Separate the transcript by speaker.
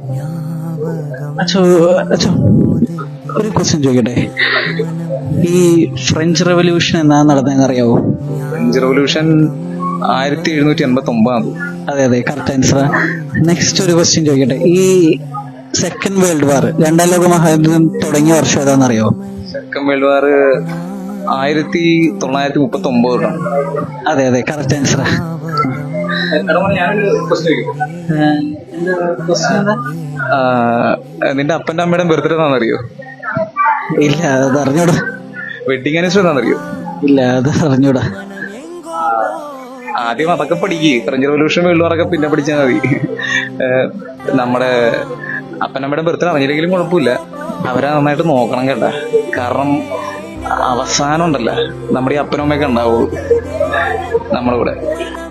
Speaker 1: അച്ഛോ അച്ഛോ ഒരു ക്വസ്റ്റ്യൻ ചോദിക്കട്ടെ. ഈ ഫ്രഞ്ച് റെവല്യൂഷൻ എന്നാ നടന്നതെന്ന് അറിയാവോ?
Speaker 2: French revolution 1789.
Speaker 1: അതെ അതെ, കറക്റ്റ് ആൻസർ. നെക്സ്റ്റ് ഒരു ക്വസ്റ്റ്യൻ ചോദിക്കട്ടെ. ഈ സെക്കൻഡ് വേൾഡ് വാർ, രണ്ടാം ലോക മഹായുദ്ധം തുടങ്ങിയ വർഷം ഏതാണെന്ന് അറിയാവോ?
Speaker 2: Second world war 1939.
Speaker 1: അതെ അതെ, കറക്റ്റ് ആൻസർ.
Speaker 2: നിന്റെ അപ്പന്റെ അമ്മയുടെ ബർത്ത്ഡേ എന്നാണെന്നറിയോ?
Speaker 1: ഇല്ല, അത് അറിഞ്ഞൂടാ.
Speaker 2: വെഡിങ് ആനിവേഴ്സറി എന്നാണെന്നറിയോ?
Speaker 1: ഇല്ല, അത് അറിഞ്ഞൂടാ.
Speaker 2: ആദ്യം അതൊക്കെ പഠിക്കുക. ഫ്രഞ്ച് റവല്യൂഷൻ വേൾഡ് വാറൊക്കെ പിന്നെ പഠിച്ചാൽ മതി. നമ്മുടെ അപ്പനമ്മയുടെ ബർത്ത്ഡേ അറിഞ്ഞില്ലെങ്കിലും കുഴപ്പമില്ല, അവരെ നന്നായിട്ട് നോക്കണം കേട്ടാ. കാരണം അവസാനം ഉണ്ടല്ലോ നമ്മുടെ ഈ അപ്പനും അമ്മയൊക്കെ ഉണ്ടാവുള്ളൂ നമ്മുടെ കൂടെ.